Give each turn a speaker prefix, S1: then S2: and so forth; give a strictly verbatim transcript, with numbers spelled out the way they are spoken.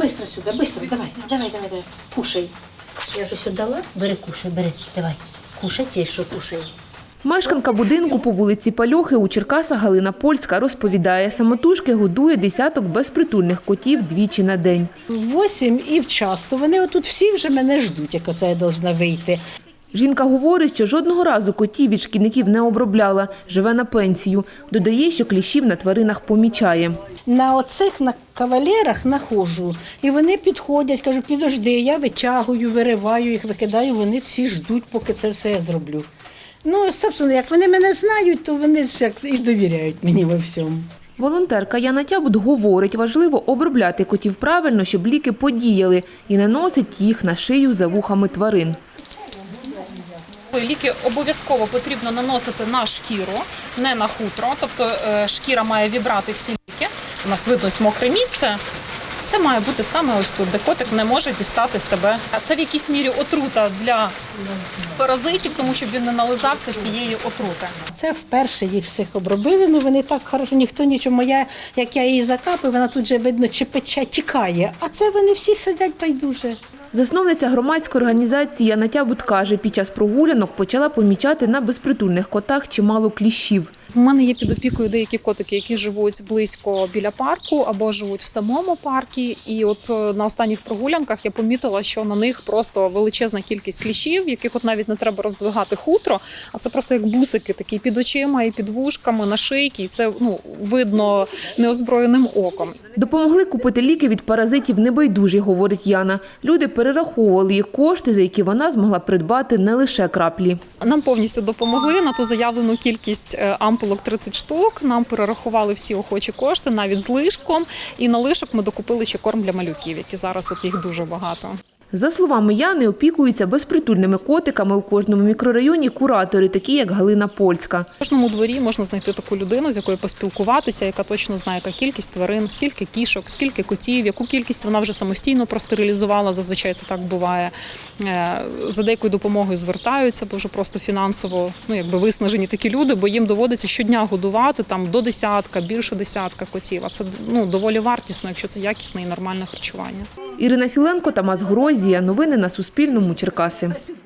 S1: швидко сюди, швидко, давай, давай, давай, давай, кушай. Я ж ось дала, бери, кушай, бери, давай, кушай, ті, що кушай.
S2: Мешканка будинку по вулиці Пальохи у Черкасах Галина Польська розповідає, самотужки годує десяток безпритульних котів двічі на день.
S1: Восім і вчасно. Вони отут всі вже мене ждуть, як оце я повинна вийти.
S2: Жінка говорить, що жодного разу котів від шкідників не обробляла, живе на пенсію. Додає, що кліщів на тваринах помічає.
S1: На оцих на кавалерах находжу, і вони підходять, кажу, підожди, я витягую, вириваю їх, викидаю, вони всі ждуть, поки це все я зроблю. Ну, собственно, як вони мене знають, то вони ж і довіряють мені во всьому.
S2: Волонтерка Яна Тябут говорить, важливо обробляти котів правильно, щоб ліки подіяли, і наносить їх на шию за вухами тварин.
S3: Ліки обов'язково потрібно наносити на шкіру, не на хутро, тобто шкіра має вібрати всі ліки. У нас видно ось мокре місце. Це має бути саме ось тут, де котик не може дістати себе. А це в якійсь мірі отрута для паразитів, тому щоб він не нализався цієї отрути.
S1: Це вперше їх всіх обробили, ну вони так хорошо, ніхто нічого. Моя, як я її закапую, вона тут же, видно, чи пече, тікає. А це вони всі сидять байдуже.
S2: Засновниця громадської організації Яна Тябут каже, під час прогулянок почала помічати на безпритульних котах чимало кліщів.
S3: В мене є під опікою деякі котики, які живуть близько біля парку або живуть в самому парку. І от на останніх прогулянках я помітила, що на них просто величезна кількість кліщів, яких от навіть не треба роздвигати хутро, а це просто як бусики такі під очима і під вушками, на шийці. І це ну, видно неозброєним оком.
S2: Допомогли купити ліки від паразитів небайдужі, говорить Яна. Люди перераховували їх кошти, за які вона змогла придбати не лише краплі.
S3: Нам повністю допомогли на ту заявлену кількість ампулок тридцять штук. Нам перерахували всі охочі кошти, навіть з лишком. І на лишок ми докупили ще корм для малюків, які зараз от їх дуже багато.
S2: За словами Яни, опікуються безпритульними котиками у кожному мікрорайоні куратори, такі як Галина Польська.
S3: В кожному дворі можна знайти таку людину, з якою поспілкуватися, яка точно знає, яка кількість тварин, скільки кішок, скільки котів, яку кількість вона вже самостійно простерилізувала, зазвичай це так буває. За деякою допомогою звертаються, бо вже просто фінансово ну, якби виснажені такі люди, бо їм доводиться щодня годувати там, до десятка, більше десятка котів. А це ну, доволі вартісно, якщо це якісне і нормальне харчування.
S2: Ірина Філенко, Тамас Горозія. Новини на Суспільному. Черкаси.